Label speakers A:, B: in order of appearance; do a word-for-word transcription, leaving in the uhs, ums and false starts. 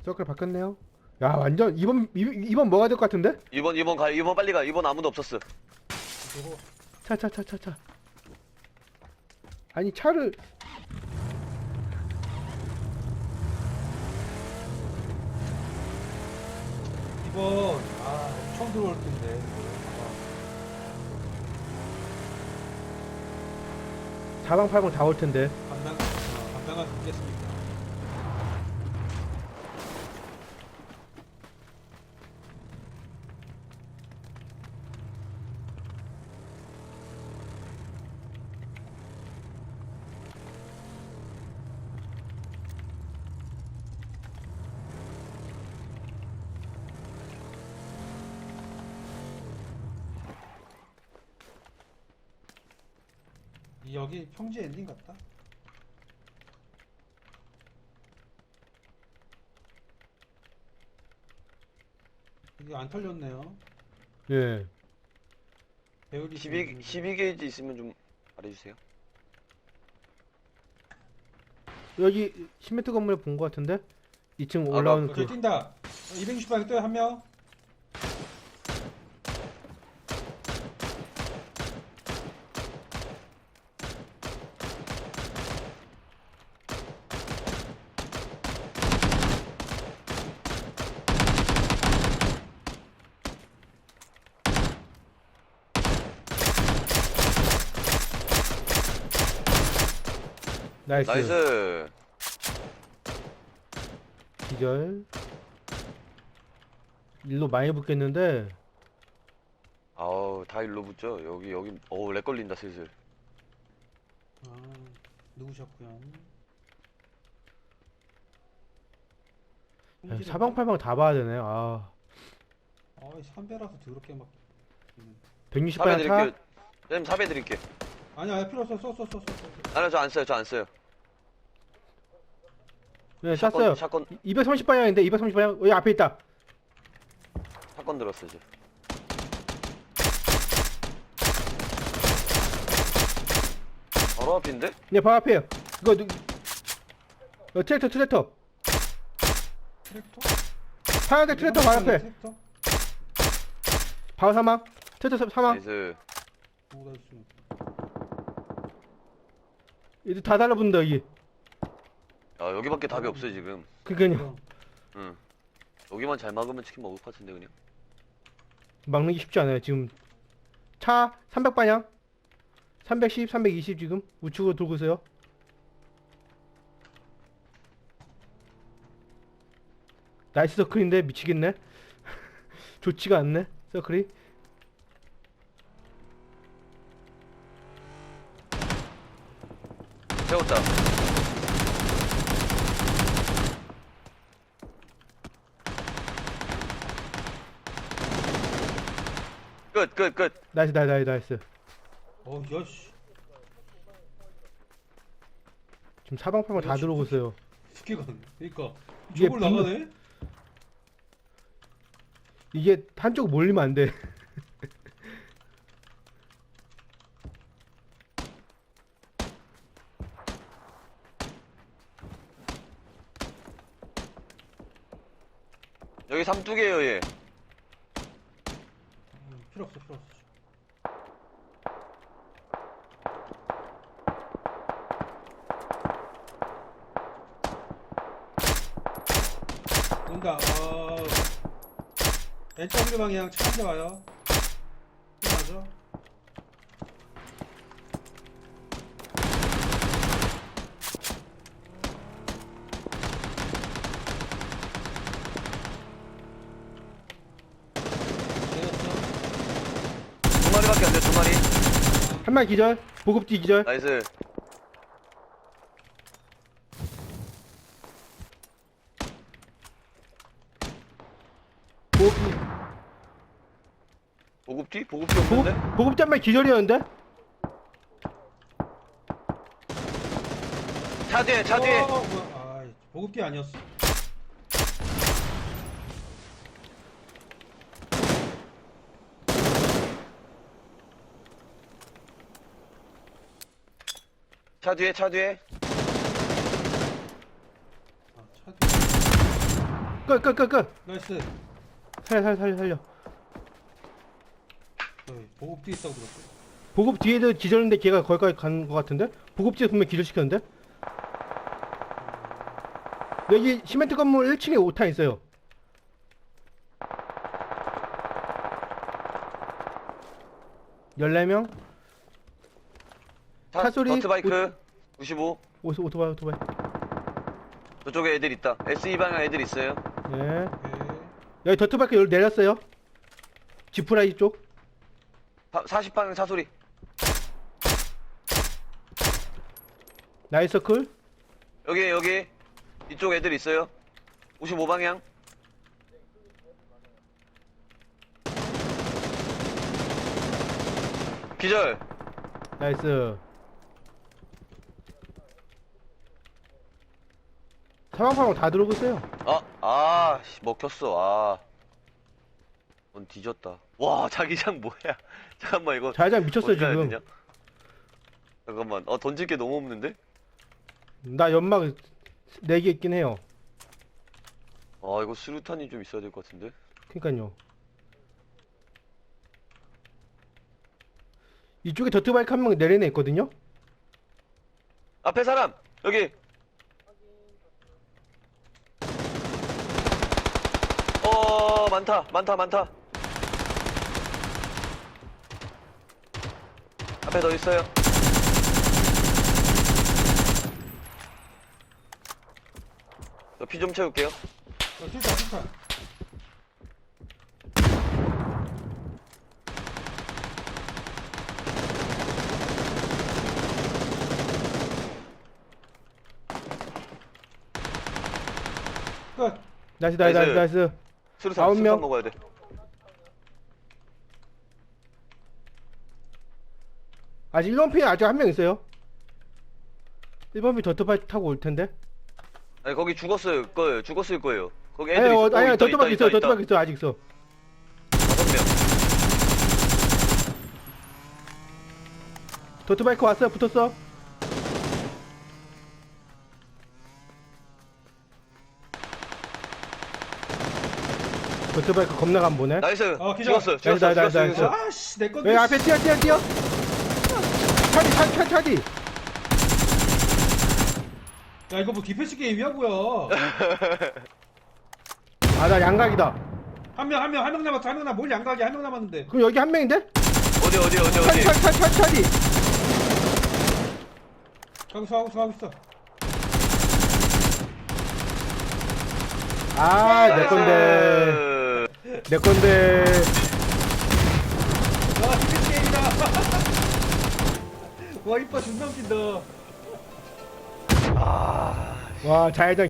A: 서클 바뀌었네요. 야 완전 이번 이번 뭐가 될 것 같은데?
B: 이번 이번 가 이번 빨리 가. 이번 아무도 없었어.
C: 이거
A: 차 차 차 차 차. 아니 차를
C: 이번 아 엄청 들어올 텐데.
A: 사방팔방 다 올 텐데.
C: 감당 어, 감당할 수 있겠습니까? 이 여기 평지 엔딩 같다. 이게 안 털렸네요.
A: 예.
C: 배율이
B: 십이 십이 게이지 있으면 좀 말해주세요.
A: 여기 십 미터 건물에 본 것 같은데? 이 층
B: 아,
A: 올라오는
C: 저기
A: 그
C: 뛴다. 이백육십 방에 또한 명.
A: 나이스.
B: 나이스.
A: 기절. 일로 많이 붙겠는데.
B: 아우 다 일로 붙죠. 여기 여기 어우 렉 걸린다 슬슬.
C: 아 누구셨고요?
A: 야, 사방팔방 다 봐야 되네. 아.
C: 아이 삼배라서 더럽게 막. 음.
A: 백육십
B: 사배
A: 방향 차.
B: 드릴게요. 선생님 사배 드릴게.
C: 아니야 아니, 필요 없어 써써 써 써.
B: 아니요 저 안 써요. 저 안 써요.
A: 네,
B: 샷건,
A: 쐈어요.
B: 샷건
A: 이백삼십 방향인데 이백삼십 방향. 여기 앞에 있다.
B: 샷건 들었어 이제. 바로 앞인데?
A: 네, 바로 앞에요. 이거 누... 어, 트랙터 트랙터.
C: 트랙터?
A: 파란색 트랙터 바로 앞에.
C: 트랙터?
A: 바로 사망. 트랙터 사망.
B: 나이스.
C: 오 나이스.
A: 이제 다 달라붙는다 여기.
B: 아 여기밖에 답이 없어 지금.
A: 그니까요.
B: 응. 여기만 잘 막으면 치킨 먹을 것 같은데 그냥.
A: 막는 게 쉽지 않아요. 지금 차 삼백 방향. 삼백십, 삼백이십 지금 우측으로 돌고 있어요. 나이스 서클인데 미치겠네. 좋지가 않네 서클이.
B: 세웠다. 끝, 끝, 끝.
A: 나이스 나이스 나이스 나이스.
C: 어 야씨.
A: 지금 사방팔방 다 들어오고 있어요.
C: 스키가 그러니까
A: 이게
C: 저걸
A: 분노-
C: 나가네?
A: 이게 한쪽 몰리면 안 돼.
B: 여기 삼뚝이에요 얘.
C: 음, 필요 없어 필요 없어. 온다. 어... 엔더블유 방향 차 한 대 와요. 맞아?
B: 두 마리밖에 안 돼, 두 마리.
A: 한 마리 기절. 보급지 기절.
B: 나이스.
A: 보급지.
B: 보급뒤? 보급뒤 없는데?
A: 보급 보급지 한 마리 기절이었는데.
B: 차 뒤에, 차 뒤에.
C: 어, 뭐야. 아이, 보급기 아니었어.
B: 차 뒤에, 차 뒤에.
C: 아, 차 뒤.
A: 끝끝끝끝
C: 나이스.
A: 살려 살려 살려 살려.
C: 어이, 보급 뒤에 있다고 들었어.
A: 보급 뒤에도 기절인데 걔가 거기까지 간 거 같은데? 보급지에 분명 기절시켰는데? 여기 시멘트 건물 일 층에 오 탄 있어요. 열네 명?
B: 차,
A: 차소리,
B: 더트바이크 구십오.
A: 오, 오토바이 오토바이.
B: 저쪽에 애들 있다. 에스이 방향 애들 있어요.
A: 네.
C: 오케이.
A: 여기 더트바이크 여기 내렸어요. 지프라이 쪽.
B: 사십 방향 차소리.
A: 나이서클.
B: 여기 여기 이쪽 애들 있어요. 오십오 방향. 기절.
A: 나이스. 사방팔방 다 들어오고 있어요.
B: 아, 아, 씨, 먹혔어. 아. 넌 뒤졌다. 와, 자기장 뭐야? 잠깐만 이거
A: 자회장 미쳤어요
B: 어떻게 해야
A: 지금.
B: 되냐? 잠깐만. 어, 던질 게 너무 없는데?
A: 나 연막 네 개 있긴 해요.
B: 아, 이거 수류탄이 좀 있어야 될 것 같은데?
A: 그니까요. 이쪽에 더트바이크 한 명 내리네 있거든요.
B: 앞에 사람! 여기! 어, 많다, 많다, 많다. 앞에 더 있어요. 저 피 좀 채울게요.
C: 어, 술탄, 술탄. 끝.
A: 나이스 나이스 나이스
B: 나이스.
A: 나이스.
B: 수류탄,
A: 아홉
B: 수류탄
A: 명.
B: 먹어야 돼.
A: 아직 일 번 피에 아직 한 명 있어요. 일 번 피 더트바이크 타고 올 텐데.
B: 아니, 거기 죽었을 거예요. 죽었을 거예요. 거기 애들
A: 아니,
B: 있어.
A: 어,
B: 어,
A: 아니,
B: 있다,
A: 더트바이크
B: 있다,
A: 있어,
B: 있다,
A: 더트바이크 있어, 아직 있어.
B: 다섯 명.
A: 더트바이크 왔어요, 붙었어. 더트바이크 겁나 간 보네.
B: 나이스.
C: 어, 기절.
B: 죽었어요.
A: 나이스,
B: 죽었어요.
A: 나이스,
B: 죽었어요.
A: 나이스.
B: 죽었어요.
C: 아씨, 내 건데.
A: 여기 앞에 뛰어, 뛰어, 뛰어. 차디, 차디, 차디, 차디.
C: 야, 이거 뭐 디펜스 게임이야, 뭐야?
A: 아, 나 양각이다.
C: 한 명, 한 명, 한 명 남았어, 한 명 남았. 뭘 양각이 한 명 남았는데.
A: 그럼 여기 한 명인데?
B: 어디 어디 어디
A: 차디,
B: 어디.
A: 차디, 차디, 차디, 차디.
C: 가고 있어, 하고 있어, 하고 있어.
A: 아, 내 건데. 내 건데.
C: 와, 디펜스 게임이다. 와, 이뻐, 존나 웃긴다.
A: 와, 자회장